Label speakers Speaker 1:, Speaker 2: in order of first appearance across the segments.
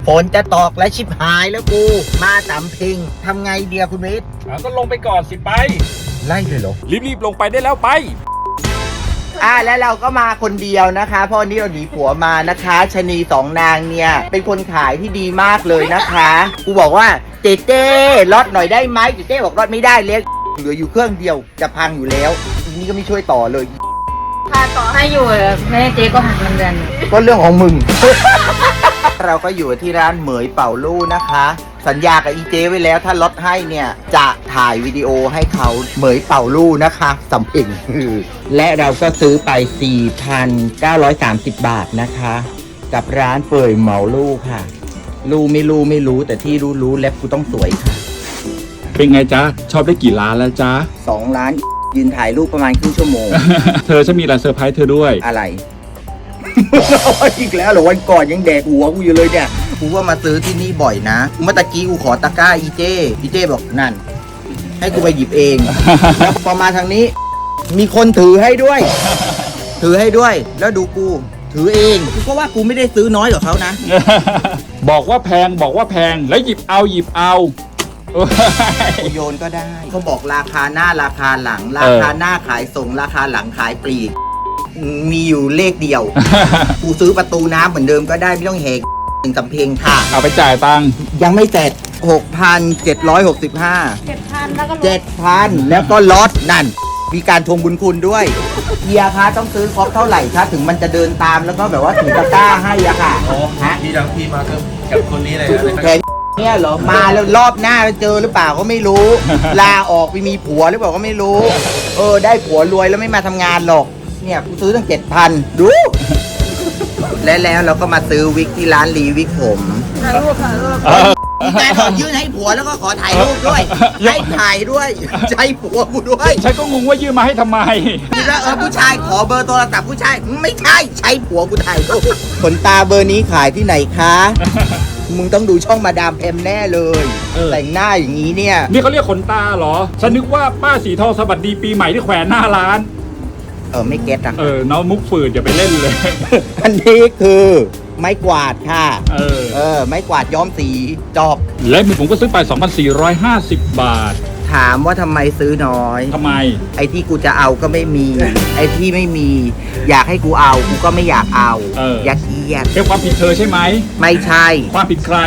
Speaker 1: ฝนจะตกและชิบหายแล้วกูมาสำเพ็งทำไงเดียคุณวิทย์
Speaker 2: ก็ลงไปก่อนสิไป
Speaker 1: ไล่เลยเหรอ
Speaker 2: รีบๆลงไปได้แล้วไป
Speaker 1: แล้วเราก็มาคนเดียวนะคะเพราะวันนี้เราหนีผัวมานะคะชะนีสองนางเนี่ยเป็นคนขายที่ดีมากเลยนะคะกูบอกว่าเจ๊เต้ลดหน่อยได้ไหมเจ๊เต้บอกลดไม่ได้เล็กเหลืออยู่เครื่องเดียวจะพังอยู่แล้วทีนี้ก็ไม่ช่วยต่อเลย
Speaker 3: ถ้าต่อให้อยู่แม่เจ๊ก็หักเงินเดือน
Speaker 1: ก็เรื่องของมึง เราก็อยู่ที่ร้านเหมยเป่าลู่นะคะ สัญญากับอีเจไว้แล้วถ้าลดให้เนี่ยจะถ่ายวิดีโอให้เขาเหมยเป่าลู่นะคะสำเพ็ง และเราก็ซื้อไป 4,930 บาทนะคะ กับร้านเป่ยเหมาลู่ค่ะ ลู่ไม่รู้แต่ที่รู้เล็บกูต้องสวยค่ะ
Speaker 2: เป็นไงจ๊ะ ชอบได้กี่ล้านแล้วจ๊ะ
Speaker 1: 2 ล้านยืนถ่ายรูปประมาณครึ่งชั่วโมง
Speaker 2: เธอจะมีอะไรเซอร์ไพรส์เธอด้วย
Speaker 1: อะไร อีกแล้วเหรอวันก่อนยังแดกหัวกูอยู่เลยเนี่ยกูว่ามาซื้อที่นี่บ่อยนะเมื่อตะกี้กูขอตะกร้าอีเจ้บอกนั่น ให้กูไปหยิบเอง แล้วพอมาทางนี้ มีคนถือให้ด้วย แล้วดูกูถือเองกูก็ว่ากูไม่ได้ซื้อน้อยกว่าเขานะ
Speaker 2: บอกว่าแพงแล้วหยิบเอา
Speaker 1: กูโยนก็ได้เขาบอกราคาหน้าราคาหลัง ราคาหน้าขายส่งราคาหลังขายปลีกมีอยู่เลขเดียว กูซื้อประตูน้ำเหมือนเดิมก็ได้ไม่ต้องแหกหนึ่งสำเพ็งค่ะ
Speaker 2: เอาไปจ่ายตังค์
Speaker 1: ยังไม่เสร็จ 6,765
Speaker 3: 7,000แล้วก็ลด
Speaker 1: 7,000 แล้วก็ลดนั่น มีการทวงบุญคุณด้วยเฮียคะต้องซื้อครบเท่าไหร่คะถึงมันจะเดินตามแล้วก็แบบว่าถือตะกร้าให้อะค่ะฮะ
Speaker 4: พี่ดังพี่มากับคนนี้เลยนะ
Speaker 1: แค่เนี่ยเหรอมาแล้วรอบหน้าเจอหรือเปล่าก็ไม่รู้ ลาออกไปมีผัวหรือเปล่าก็ไม่รู้ ได้ผัวรวยแล้วไม่มาทำงานหรอกเนี่ยกูซื้อตั้ง 7,000 ดู แล้วเราก็มาซื้อวิกที่ร้านรีวิกผม
Speaker 3: ถ่ายรูป
Speaker 1: มีการขอยื่นให้ผัวแล้วก็ขอถ่ายรูปด้วย ให้ถ่ายด้วยใช้ผัวกูด้วย
Speaker 2: ฉันก็งงว่ายื่นมาให้ทำไม
Speaker 1: คิดว่าผู้ชายขอเบอร์โทรศัพท์ผู้ชายไม่ใช่ใช้ผัวกูถ่ายรูปขนตาเบอร์นี้ขายที่ไหนคะ มึงต้องดูช่องมาดามแพมแน่เลย แต่งหน้าอย่างนี้เนี่ย
Speaker 2: นี่เขาเรียกขนตาเหรอ ฉันนึกว่าป้าสีทองสวัสดีปีใหม่ที่แขวนหน้าร้าน
Speaker 1: ไม่เก็ตอ่ะ
Speaker 2: น้องมุกฝืดอย่าไปเล่นเลย
Speaker 1: อันนี้คือไม้กวาดค่ะ ไม้กวาดย้อมสีจอบ
Speaker 2: และมือผมก็ซื้อไป 2,450 บาท
Speaker 1: ถามว่าทำไมซื้อน้อย
Speaker 2: ทำไม
Speaker 1: ไอ้ที่กูจะเอาก็ไม่มี ไอ้ที่ไม่มี อยากให้กูเอากูก็ไม่อยากเอา อยากเอียด
Speaker 2: เป็นความผิดเธอใช่ไหม
Speaker 1: ไม่ใช่
Speaker 2: ความผิดใคร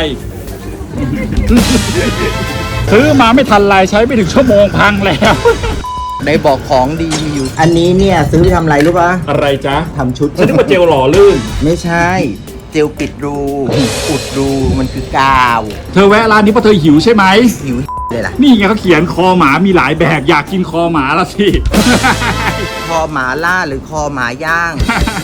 Speaker 2: ซื้อมาไม่ทันไรใช้ไม่ถึงชั่วโมงพังแล้ว
Speaker 1: ได้บอกของดีมีอยู่ อันนี้เนี่ยซื้อไปทำอะไรรู้ปะ
Speaker 2: อะไรจ๊ะ
Speaker 1: ทำชุด
Speaker 2: ฉันนึกว่าเจลหล่อลื่น
Speaker 1: ไม่ใช่ เจลปิดรู อุดรูมันคือกาว
Speaker 2: เธอแวะร้านนี้เพราะเธอหิวใช่ไหม
Speaker 1: หิวเลยล่ะ
Speaker 2: นี่ไงเขาเขียนคอหมามีหลายแบบอยากกินคอหมาละสิ
Speaker 1: คอหมาล่าหรือคอหมาย่าง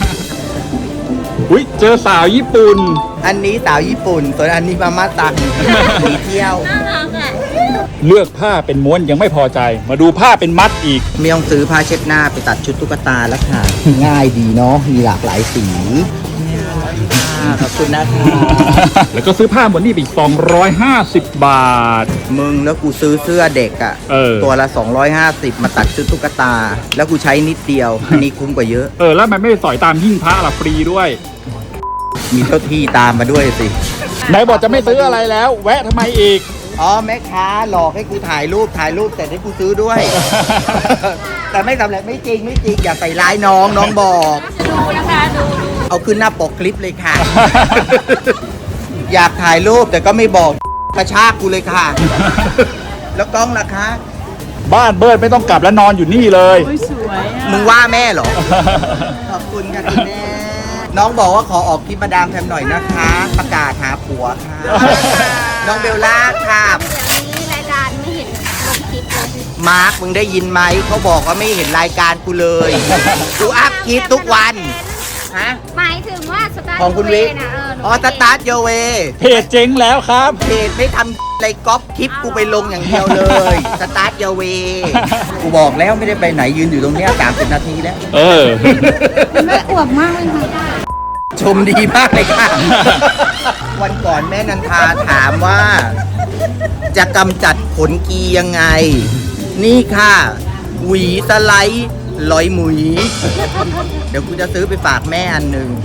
Speaker 2: อุ้ยเจอสาวญี่ปุ่น
Speaker 1: อันนี้สาวญี่ปุ่น ส่วนอันนี้มาม่าตังหนีเที่ยว
Speaker 3: น่ารักอ่ะ
Speaker 2: เลือกผ้าเป็นม้วนยังไม่พอใจ มาดูผ้าเป็นมัดอีก
Speaker 1: ไม่ต้องซื้อผ้าเช็ดหน้าไปตัดชุดตุ๊กตาแล้วค่ะ ง่ายดีเนาะ มีหลากหลายสีขอบคุณนะคะ
Speaker 2: แล้วก็ซื้อผ้าหมดนี่ไปอีก250 บาท
Speaker 1: มึงแล้วกูซื้อเสื้อเด็กอะ ตัวละ 250 มาตัดชุดตุ๊กตา แล้วกูใช้นิดเดียว อันนี้คุ้มกว่าเยอะ
Speaker 2: แล้วมันไม่สอยตามหิ้งพระละฟรีด้วย
Speaker 1: มีเจ้าที่ตามมาด้วยสิ
Speaker 2: ไหนบอกจะไม่ซื้ออะไรแล้ว แวะทำไมอีก
Speaker 1: แม่ค้าหลอกให้กูถ่ายรูปแต่ให้กูซื้อด้วย แต่ไม่สำเร็จไม่จริงอย่าใส่ร้ายน้องบอก
Speaker 3: ดูนะคะดู
Speaker 1: เอาขึ้นหน้าปกคลิปเลยค่ะ อยากถ่ายรูปแต่ก็ไม่บอกกระชากกูเลยค่ะ แล้วกล้องล่ะคะ
Speaker 2: บ้านเบิร์ดไม่ต้องกลับแล้วนอนอยู่นี่เลย
Speaker 3: สวยอ่ะ
Speaker 1: มึงว่าแม่เหรอ ขอบคุณค่ะคุณแม่ น้องบอกว่าขอออกคลิปมาดามแพมหน่อยนะคะ ประกาศหาผัวค่ะ น้องเบลล่าค่ะ
Speaker 3: อย่างนี้รายการไม่เห็นลงคลิปเลย
Speaker 1: มาร์คมึงได้ยินไหม เขาบอกว่าไม่เห็นรายการกูเลย กูอัพคลิปทุกวันฮะ
Speaker 3: หมายถึงว่าสตาร์ท
Speaker 1: ของคุณวิทย์
Speaker 3: นะหนู
Speaker 1: สตาร์ทโยเว
Speaker 2: เพจเจ๊งแล้วครับ
Speaker 1: เพจไม่ทำอะไรก๊อปคลิปกูไปลงอย่างเดียวเลย สตาร์ทโยเว กูบอกแล้วไม่ได้ไปไหนยืนอยู่ตรงเนี้ย30 นาทีแล้ว
Speaker 3: ไม่อวบมากเลยค่ะ
Speaker 1: ชมดีมากเลยค่ะ วันก่อนแม่นันทาถามว่า จะกำจัดขนกียังไง นี่ค่ะ หวีสไลด์ลอยหมุย เดี๋ยวกูจะซื้อไปฝากแม่อันหนึ่ง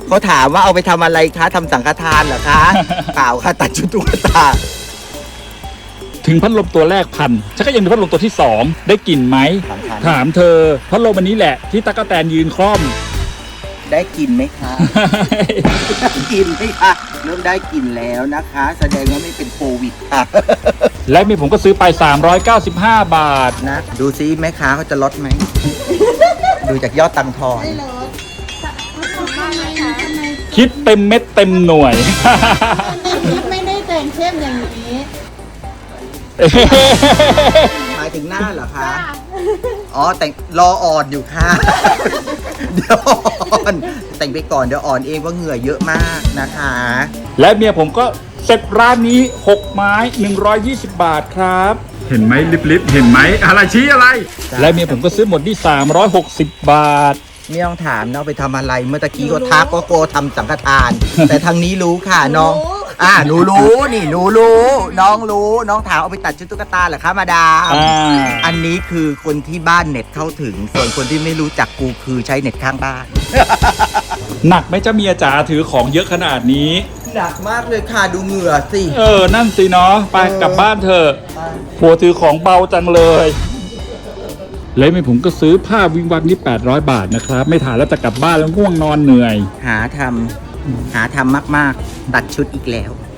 Speaker 1: เขาถามว่าเอาไปทำอะไรคะทำสังฆทานเหรอคะ เปล่าค่ะตัดชุดตุ๊กตา
Speaker 2: ถึงพัดลมตัวแรกพันฉันก็ยังมีพัดลมตัวที่ 2 ได้กลิ่นไหม ถามเธอพัดลมอันนี้แหละที่ตั๊กแตนยืนคล่อม
Speaker 1: ได้กินไหมคะ กินไหมคะเริ่มได้กินแล้วนะคะ แสดงว่าไม่เป็นโควิดค่ะ
Speaker 2: และมีผมก็ซื้อไป 395 บาท
Speaker 1: นะดูซิแม่ค้าเขาจะลดไหม ดูจากยอดตังค์ทอน
Speaker 2: คิดเต็มเม็ดเต็มหน่วย
Speaker 5: ไม่ได้แต่งเข้มอย่างนี้
Speaker 1: หมายถึงหน้าเหรอคะ อ๋อแต่งรออ่อนอยู่ค่ะ เดี๋ยวอ่อนแต่งไปก่อนเดี๋ยวอ่อนเองว่าเหงื่อเยอะมากนะคะ
Speaker 2: และเมียผมก็เสร็จร้านนี้ 6 ไม้ 120 บาทครับ เห็นไหมลิบๆเห็นไหมอะไรชี้อะไร และเมียผมก็ซื้อหมดที่ 360 บาท
Speaker 1: ไม่ต้องถามนะเอาไปทำอะไรเมื่อตะกี้ก็ทักก็โกทำสังฆทาน แต่ทางนี้รู้ค่ะน้อง หนูรู้นี่หนูรู้ น้องรู้น้องถามเอาไปตัดชุดตุ๊กตาเหรอคะมาดาม อันนี้คือคนที่บ้านเน็ตเข้าถึง ส่วนคนที่ไม่รู้จักกูคือใช้เน็ตข้างบ้าน
Speaker 2: หนักไหมเจ้าเมียจ๋าถือของเยอะขนาดนี้
Speaker 1: หนักมากเลยค่ะดูเหงื่อสิ
Speaker 2: นั่นสิเนาะไปกลับบ้านเถอะผัวถือของเบาจังเลยแล้วเมียผมก็ซื้อผ้าวิงวังนี่800 บาทนะครับ ไม่ถ่ายแล้วจะกลับบ้านแล้วง่วงนอนเหนื่อย
Speaker 1: หาทำมากๆ ตัดชุดอีกแล้ว